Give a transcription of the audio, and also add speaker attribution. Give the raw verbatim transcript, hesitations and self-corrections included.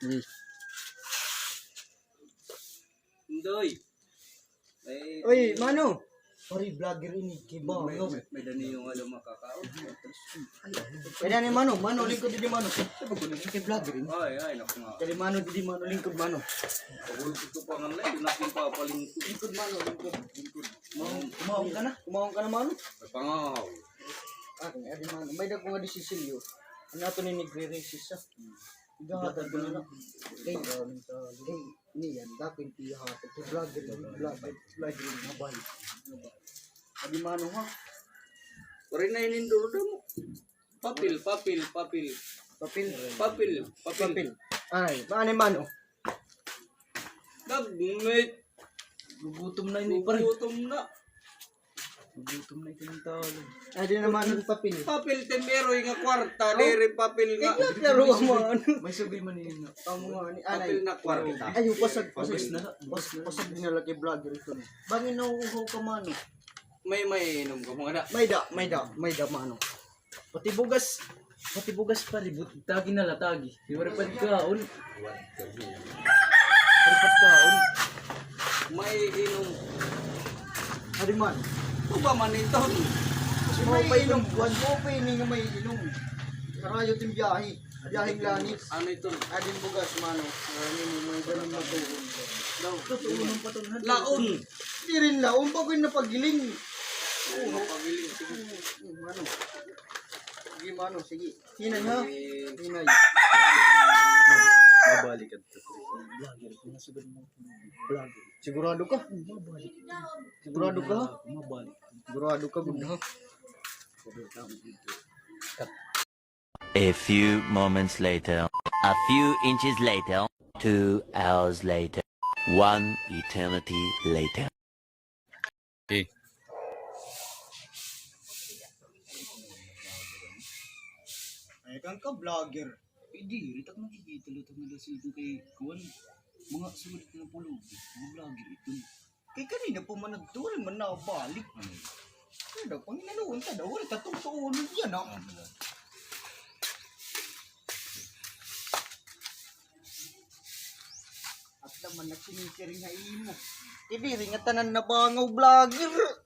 Speaker 1: Sige.
Speaker 2: Indoy.
Speaker 1: Oy, mano. Sorry, vlogger ini. Kiba.
Speaker 2: May, may, may dani yung ano makakao.
Speaker 1: Pwede ni mano, mano lingkod di mano. Kay vlogger ini.
Speaker 2: Ay, ay, naku nga.
Speaker 1: Kay mano di mano lingkod mano.
Speaker 2: Pagulog ito pa nga lang, nakin pa paling
Speaker 1: Lingkod mano, lingkod. Lingkod. Kumawang ka na? Kumawang ka na mano?
Speaker 2: Ay, pangaw.
Speaker 1: Ah, adi mano. May dag ko nga di Cecilio. Ano ato ni nagre-racist sa? Igahatag ko na. Kay kay niyan dapat ihatag to vlogger, vlogger, vlogger mabay. Adi mano ha?
Speaker 2: Pare na ininduro mo. Papil, papil, papil.
Speaker 1: Papel,
Speaker 2: Papil, papil.
Speaker 1: papel. Ay, paano mano?
Speaker 2: Nagmit.
Speaker 1: Gugutom na ini pare.
Speaker 2: Gutom na.
Speaker 1: Gugutom na ito ng tao. Ay, di naman ang papel.
Speaker 2: Papil tembero nga kwarta, dere papil nga.
Speaker 1: Ikat laro mo ano?
Speaker 3: May sabi man yun.
Speaker 1: Amo nga ni
Speaker 2: Papil
Speaker 1: anay.
Speaker 2: na kwarta.
Speaker 1: Ay, pasag pasag
Speaker 3: Papel
Speaker 1: na. Pasag pasag din na lagi vlogger ito. Bangin na uho ka mano.
Speaker 2: May may inom ka mga da.
Speaker 1: May da, may da, may da mano.
Speaker 3: Pati bugas. Pati bugas pa rin. Tagi na latagi. Di ba rin kaon? Ripat kaon.
Speaker 2: May inom.
Speaker 1: Ari man.
Speaker 2: Ito ba man ito?
Speaker 1: Kasi may inom, buwan mo pa ini nga may inom. Karayo tim biyahe. Biyaheng langit.
Speaker 2: Ano ito?
Speaker 1: Adin bugas mano. Ano ni may ganun na tuon.
Speaker 2: Daw.
Speaker 1: Tuon ng patunhan.
Speaker 2: Laon.
Speaker 1: Di rin laon pag na pagiling.
Speaker 2: Oo, pabiling. Sige.
Speaker 1: Hmm, Mano. Sige mano, sige. Hinay ha. Hinay.
Speaker 3: Mabalik at
Speaker 1: Vlogger, kung nasugod mo. Vlogger. Sigurado ka? Mabalik. Sigurado ka ha?
Speaker 3: Mabalik.
Speaker 1: Sigurado ka gud ha?
Speaker 4: A few moments later, a few inches later, two hours later, one eternity later.
Speaker 3: Okay.
Speaker 1: Ay kang ka vlogger. Hindi, ritak nakikita lutang nila sila kay Kuwan. Mga sulit na pulog. Mga vlogger ito. Kay kanina po man nagtuloy man na balik. Kaya daw, pang inaluan ka daw. Wala tatong tuulog yan ha. At naman nagsinisiring ha imo. Ibiri nga tanan na bangaw vlogger.